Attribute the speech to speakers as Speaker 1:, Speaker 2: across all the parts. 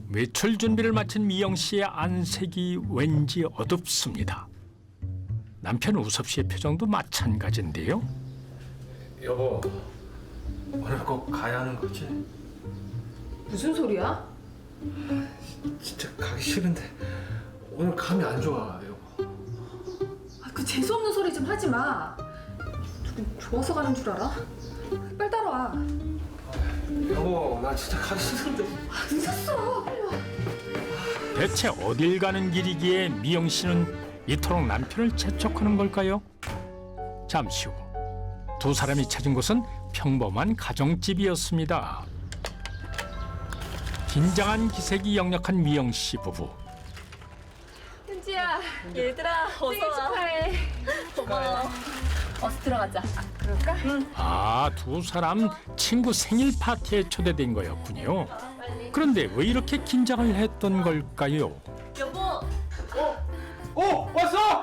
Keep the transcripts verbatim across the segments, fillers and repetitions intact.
Speaker 1: 외출 준비를 마친 미영 씨의 안색이 왠지 어둡습니다. 남편 우섭 씨의 표정도 마찬가지인데요.
Speaker 2: 여보, 오늘 꼭 가야 하는 거지?
Speaker 3: 무슨 소리야?
Speaker 2: 진짜 가기 싫은데 오늘 감이 안 좋아, 여보.
Speaker 3: 아, 그 재수없는 소리 좀 하지 마. 누구 좋아서 가는 줄 알아? 빨리 따라와.
Speaker 2: 여보, 나 진짜 가기 싫은데.
Speaker 3: 아, 늦었어. 빨리 와.
Speaker 1: 대체 어딜 가는 길이기에 미영 씨는 이토록 남편을 재촉하는 걸까요? 잠시 후 두 사람이 찾은 곳은 평범한 가정집이었습니다. 긴장한 기색이 역력한 미영 씨 부부.
Speaker 3: 현지야,
Speaker 4: 얘들아, 어서
Speaker 3: 생일
Speaker 4: 와.
Speaker 3: 축하해.
Speaker 4: 고마워.
Speaker 3: 어서 들어가자. 아, 그럴까? 응.
Speaker 1: 아, 두 사람 친구 생일 파티에 초대된 거였군요. 그런데 왜 이렇게 긴장을 했던 걸까요?
Speaker 4: 여보,
Speaker 2: 어, 왔어?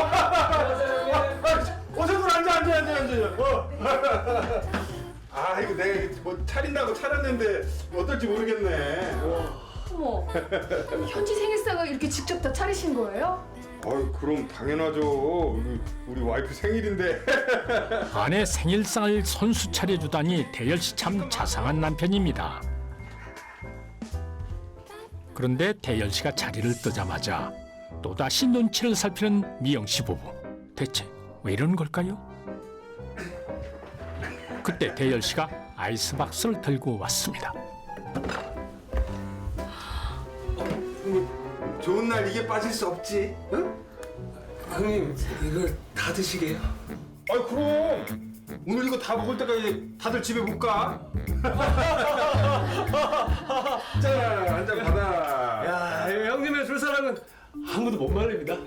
Speaker 2: 어서들 앉아, 앉아, 앉아, 앉아. 어. 아, 이거 내가 뭐 차린다고 차렸는데 어떨지 모르겠네. 어.
Speaker 3: 어머, 현지 생일상을 이렇게 직접 다 차리신 거예요?
Speaker 5: 아유, 그럼 당연하죠. 우리, 우리 와이프 생일인데.
Speaker 1: 아내 생일상을 손수 차려주다니 대열 씨 참 자상한 남편입니다. 그런데 대열 씨가 자리를 뜨자마자 또다시 눈치를 살피는 미영 씨 부부. 대체 왜 이러는 걸까요? 그때 대열 씨가 아이스박스를 들고 왔습니다.
Speaker 5: 좋은 날 이게 빠질 수 없지. 응?
Speaker 2: 형님, 이걸 다 드시게요?
Speaker 5: 아이, 그럼. 오늘 이거 다 먹을 때까지 다들 집에 못 가? 자, 한 잔 받아.
Speaker 2: 야, 형님의 술사랑은 아무도 못 말립니다.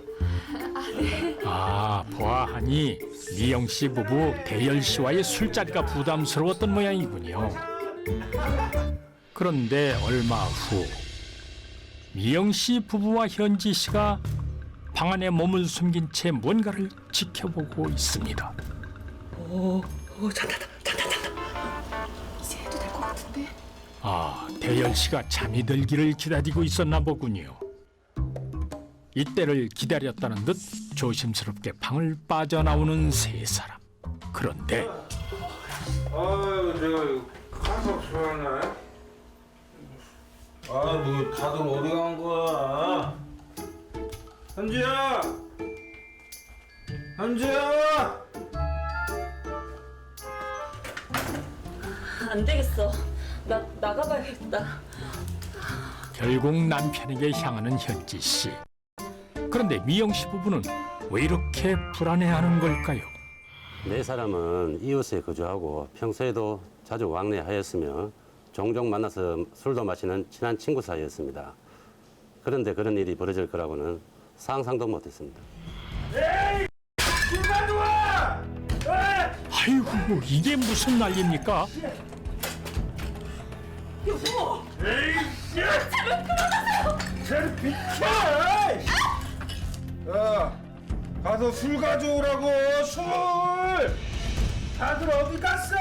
Speaker 1: 아, 보아하니 미영 씨 부부 대열 씨와의 술자리가 부담스러웠던 모양이군요. 그런데 얼마 후 미영 씨 부부와 현지 씨가 방 안에 몸을 숨긴 채 뭔가를 지켜보고 있습니다.
Speaker 2: 오, 오, 잔다, 잔다, 잔다.
Speaker 3: 이제 해도 될 것 같은데.
Speaker 1: 아, 대열 씨가 잠이 들기를 기다리고 있었나 보군요. 이때를 기다렸다는 듯 조심스럽게 방을 빠져나오는 세 사람. 그런데
Speaker 5: 아유, 내가 이거 가서 좋아하네. 아, 뭐 다들 어디 간 거야? 현지야! 현지야!
Speaker 4: 안 되겠어. 나 나가봐야겠다.
Speaker 1: 결국 남편에게 향하는 현지 씨. 그런데 미영 씨 부부는 왜 이렇게 불안해하는 걸까요?
Speaker 6: 네 사람은 이웃에 거주하고 평소에도 자주 왕래하였으며 종종 만나서 술도 마시는 친한 친구 사이였습니다. 그런데 그런 일이 벌어질 거라고는 상상도 못했습니다.
Speaker 1: 아이고, 이게 무슨 난리입니까?
Speaker 5: 쟤를 비켜! 야, 가서 술 가져오라고, 술! 다들 어디 갔어?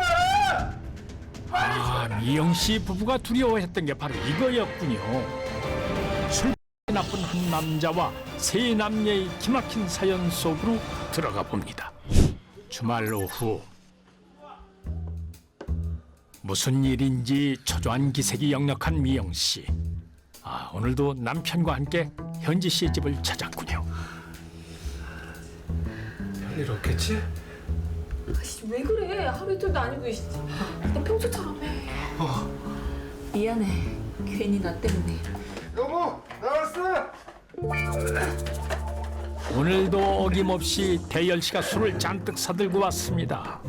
Speaker 1: 아, 미영 씨 부부가 두려워했던 게 바로 이거였군요. 술 나쁜 한 남자와 세 남녀의 기막힌 사연 속으로 들어가 봅니다. 주말 오후 무슨 일인지 초조한 기색이 역력한 미영 씨. 아, 오늘도 남편과 함께 현지 씨의 집을 찾았군요.
Speaker 2: 별일 없겠지?
Speaker 3: 아씨, 왜 그래? 하루 이틀도 아니고 이씨. 너 평소처럼 해.
Speaker 4: 미안해. 괜히 나 때문에.
Speaker 5: 여보, 나왔어!
Speaker 1: 오늘도 어김없이 대열 씨가 술을 잔뜩 사들고 왔습니다.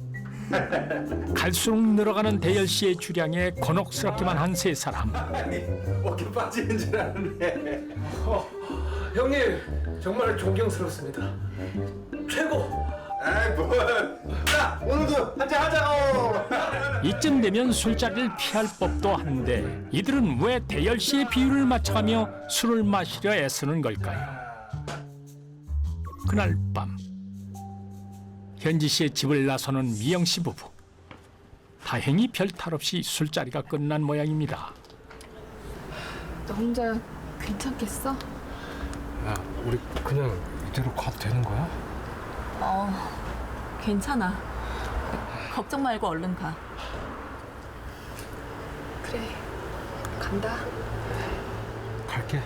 Speaker 1: 갈수록 늘어가는 대열 씨의 주량에 곤혹스럽기만 한 세 사람.
Speaker 5: 어깨 빠지는 줄 알았네.
Speaker 2: 어, 형님, 정말 존경스럽습니다. 최고!
Speaker 5: 아이, 뭐. 자, 오늘도 한잔 하자고!
Speaker 1: 이쯤 되면 술자리를 피할 법도 한데 이들은 왜 대열 씨의 비율을 맞춰가며 술을 마시려 애쓰는 걸까요? 그날 밤 현지 씨의 집을 나서는 미영 씨 부부. 다행히 별 탈 없이 술자리가 끝난 모양입니다.
Speaker 3: 너 혼자 괜찮겠어?
Speaker 5: 야, 우리 그냥 이대로 가도 되는 거야?
Speaker 4: 어, 괜찮아. 걱정 말고 얼른 가.
Speaker 3: 그래, 간다.
Speaker 5: 갈게.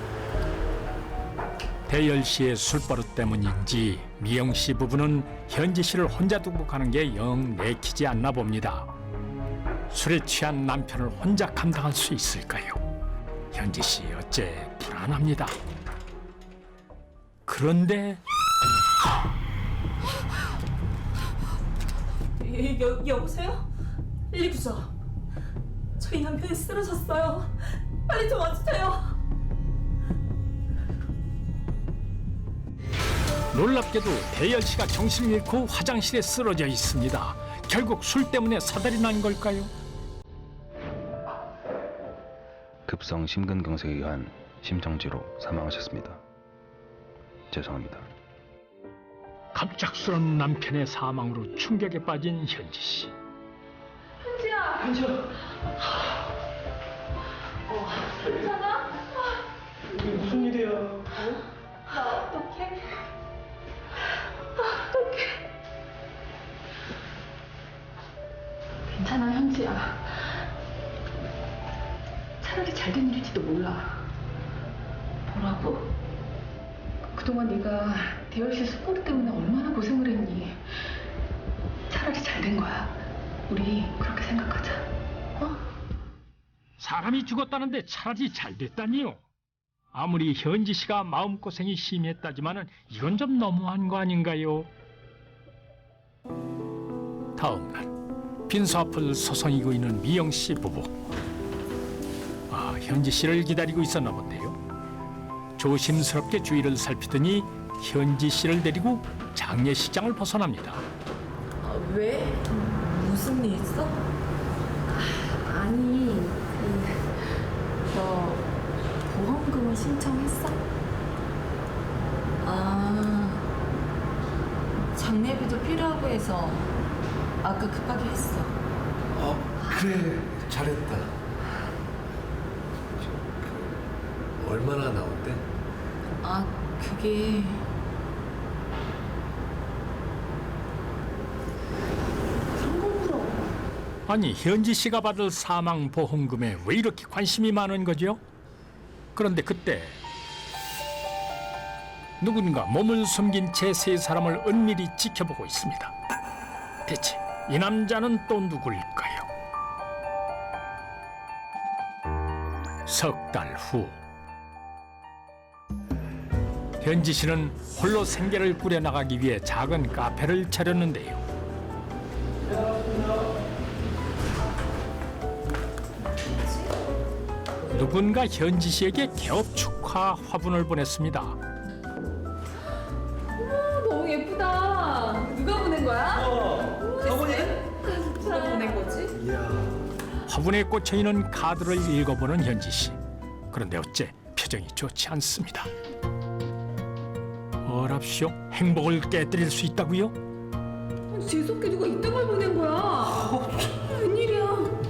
Speaker 1: 대열 씨의 술버릇 때문인지 미영 씨 부부는 현지 씨를 혼자 두고 가는 게 영 내키지 않나 봅니다. 술에 취한 남편을 혼자 감당할 수 있을까요? 현지 씨 어째 불안합니다. 그런데
Speaker 4: 여, 여, 여보세요? 일구죠. 저희 남편이 쓰러졌어요. 빨리 좀 와주세요.
Speaker 1: 놀랍게도 대열 씨가 정신을 잃고 화장실에 쓰러져 있습니다. 결국 술 때문에 사달이 난 걸까요?
Speaker 7: 급성 심근경색에 의한 심정지로 사망하셨습니다. 죄송합니다.
Speaker 1: 갑작스런 남편의 사망으로 충격에 빠진 현지 씨.
Speaker 3: 괜찮아, 현지야. 차라리 잘 된 일일지도 몰라. 뭐라고? 그동안 네가 대열 씨 스포츠 때문에 얼마나 고생을 했니? 차라리 잘 된 거야. 우리 그렇게 생각하자. 어?
Speaker 1: 사람이 죽었다는데 차라리 잘 됐다니요. 아무리 현지 씨가 마음고생이 심했다지만은 이건 좀 너무한 거 아닌가요? 다음 날 빈소 앞을 서성이고 있는 미영 씨 부부. 아, 현지 씨를 기다리고 있었나 본데요. 조심스럽게 주위를 살피더니 현지 씨를 데리고 장례식장을 벗어납니다.
Speaker 4: 어, 왜? 무슨 일 있어?
Speaker 3: 아니, 그, 너 보험금을 신청했어?
Speaker 4: 아, 장례비도 필요하고 해서 아까 급하게 했어.
Speaker 8: 어, 그래, 잘했다. 얼마나 나온대?
Speaker 4: 아, 그게
Speaker 1: 아니, 현지 씨가 받을 사망 보험금에 왜 이렇게 관심이 많은 거죠? 그런데 그때 누군가 몸을 숨긴 채 세 사람을 은밀히 지켜보고 있습니다. 대체 이 남자는 또 누굴까요? 석 달 후 현지 씨는 홀로 생계를 꾸려나가기 위해 작은 카페를 차렸는데요. 누군가 현지 씨에게 개업 축하 화분을 보냈습니다.
Speaker 3: 너무 예쁘다. 누가 보낸 거야?
Speaker 4: 누가 보낸 거지?
Speaker 1: 화분에 꽂혀 있는 카드를 읽어보는 현지 씨. 그런데 어째 표정이 좋지 않습니다. 어랍쇼? 행복을 깨뜨릴 수 있다고요?
Speaker 3: 아니, 재수없게 누가 이딴 걸 보낸 거야? 웬일이야?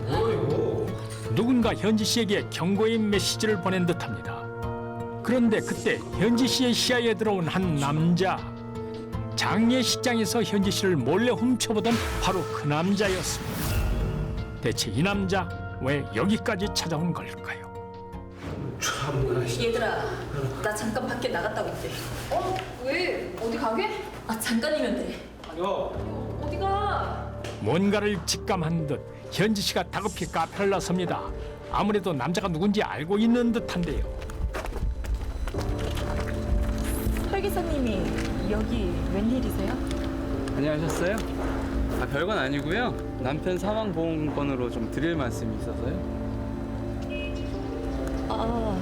Speaker 1: 누군가 현지 씨에게 경고의 메시지를 보낸 듯합니다. 그런데 그때 현지 씨의 시야에 들어온 한 남자. 장례식장에서 현지 씨를 몰래 훔쳐보던 바로 그 남자였습니다. 대체 이 남자 왜 여기까지 찾아온 걸까요?
Speaker 4: 얘들아, 나 잠깐 밖에 나갔다 올게.
Speaker 3: 어? 왜? 어디 가게?
Speaker 4: 아, 잠깐이면 돼.
Speaker 3: 어디가?
Speaker 1: 뭔가를 직감한 듯 현지 씨가 다급히 카페를 나섭니다. 아무래도 남자가 누군지 알고 있는 듯한데요.
Speaker 4: 설계사님이 여기 웬일이세요?
Speaker 9: 안녕하셨어요? 아, 별건 아니고요. 남편 사망보험권으로 좀 드릴 말씀이 있어서요.
Speaker 4: 아,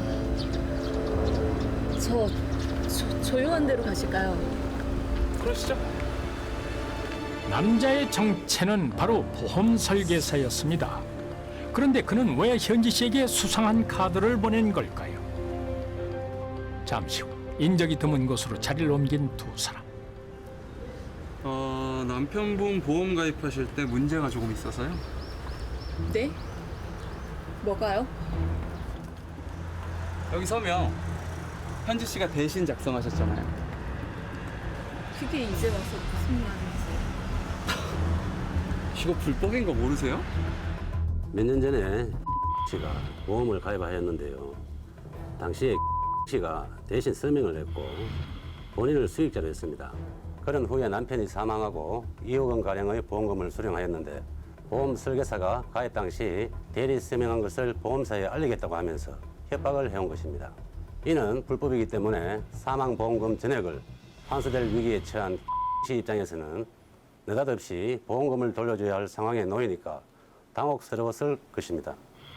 Speaker 4: 저, 조, 조용한 데로 가실까요?
Speaker 9: 그러시죠.
Speaker 1: 남자의 정체는 바로 보험 설계사였습니다. 그런데 그는 왜 현지 씨에게 수상한 카드를 보낸 걸까요? 잠시 후 인적이 드문 곳으로 자리를 옮긴 두 사람.
Speaker 9: 어, 남편분 보험 가입하실 때 문제가 조금 있어서요.
Speaker 4: 네? 뭐가요?
Speaker 9: 여기 서명 현지 씨가 대신 작성하셨잖아요.
Speaker 4: 그게 이제 와서 무슨 말인지.
Speaker 9: 이거 불법인 거 모르세요?
Speaker 6: 몇 년 전에 씨가 보험을 가입하였는데요. 당시에 씨가 대신 서명을 했고 본인을 수익자로 했습니다. 그런 후에 남편이 사망하고 이억 원 가량의 보험금을 수령하였는데 보험 설계사가 가입 당시 대리 서명한 것을 보험사에 알리겠다고 하면서 협박을 해온 것입니다. 이는 불법이기 때문에 사망 보험금 전액을 환수될 위기에 처한 씨 입장에서는 느닷없이 보험금을 돌려줘야 할 상황에 놓이니까 당혹스러웠을 것입니다.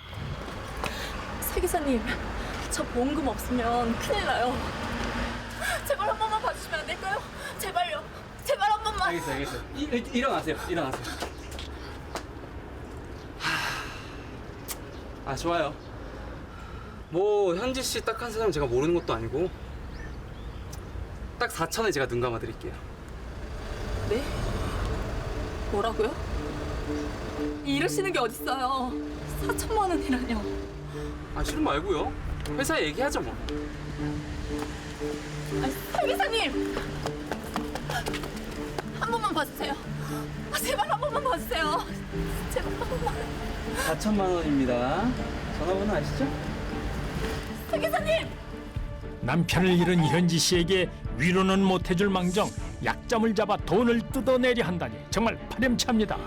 Speaker 4: 새 기사님, 저 보험금 없으면 큰일 나요. 제발 한 번만 봐주시면 안 될까요? 제발요. 제발 한 번만.
Speaker 9: 알겠어요, 알겠어요. 이, 일- 일어나세요, 일어나세요. 하... 아, 좋아요. 뭐 현지 씨 딱 한 사람 제가 모르는 것도 아니고 딱 사천에 제가 눈 감아 드릴게요.
Speaker 4: 네? 뭐라고요? 이러시는 게 어딨어요. 사천만 원이라뇨.
Speaker 9: 아, 싫은 말고요. 회사에 얘기하죠 뭐.
Speaker 4: 아, 새 기사님! 한 번만 봐주세요. 아, 제발 한 번만 봐주세요. 제발 한 번만.
Speaker 9: 사천만 원입니다. 전화번호 아시죠?
Speaker 4: 새 기사님!
Speaker 1: 남편을 잃은 현지 씨에게 위로는 못해줄 망정 약점을 잡아 돈을 뜯어내려 한다니 정말 파렴치합니다.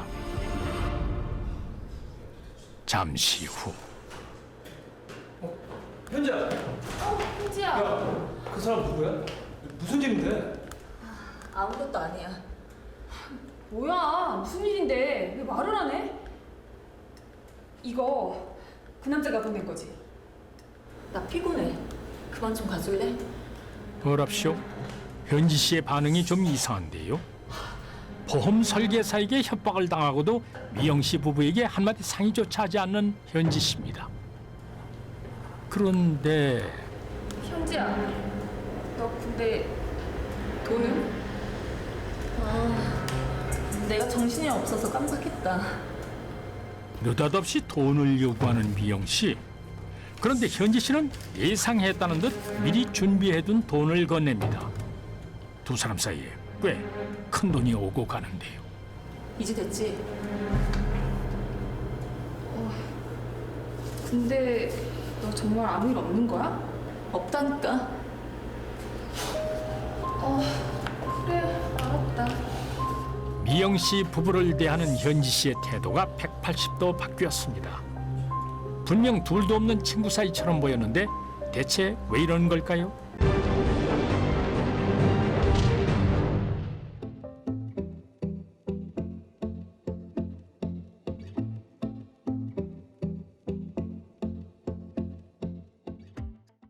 Speaker 1: 잠시 후
Speaker 5: 현지야.
Speaker 4: 현지야.
Speaker 5: 그 사람 누구야? 무슨 일인데?
Speaker 4: 아무것도 아니야.
Speaker 3: 뭐야? 무슨 일인데? 왜 말을 안 해? 이거 그 남자가 보낸 거지?
Speaker 4: 나 피곤해. 그만 좀 가줄래?
Speaker 1: 어랍쇼 현지 씨의 반응이 좀 이상한데요. 보험 설계사에게 협박을 당하고도 미영 씨 부부에게 한마디 상의조차 하지 않는 현지 씨입니다. 그런데
Speaker 3: 현지야, 너 근데 돈은?
Speaker 4: 아, 내가 정신이 없어서 깜빡했다.
Speaker 1: 느닷없이 돈을 요구하는 미영 씨. 그런데 현지 씨는 예상했다는 듯 미리 준비해둔 돈을 건넵니다. 두 사람 사이에 꽤 큰 돈이 오고 가는데요.
Speaker 4: 이제 됐지?
Speaker 3: 근데 너 정말 아무 일 없는 거야?
Speaker 4: 없다니까.
Speaker 3: 어, 그래, 알았다.
Speaker 1: 미영 씨 부부를 대하는 현지 씨의 태도가 백팔십 도 바뀌었습니다. 분명 둘도 없는 친구 사이처럼 보였는데 대체 왜 이런 걸까요?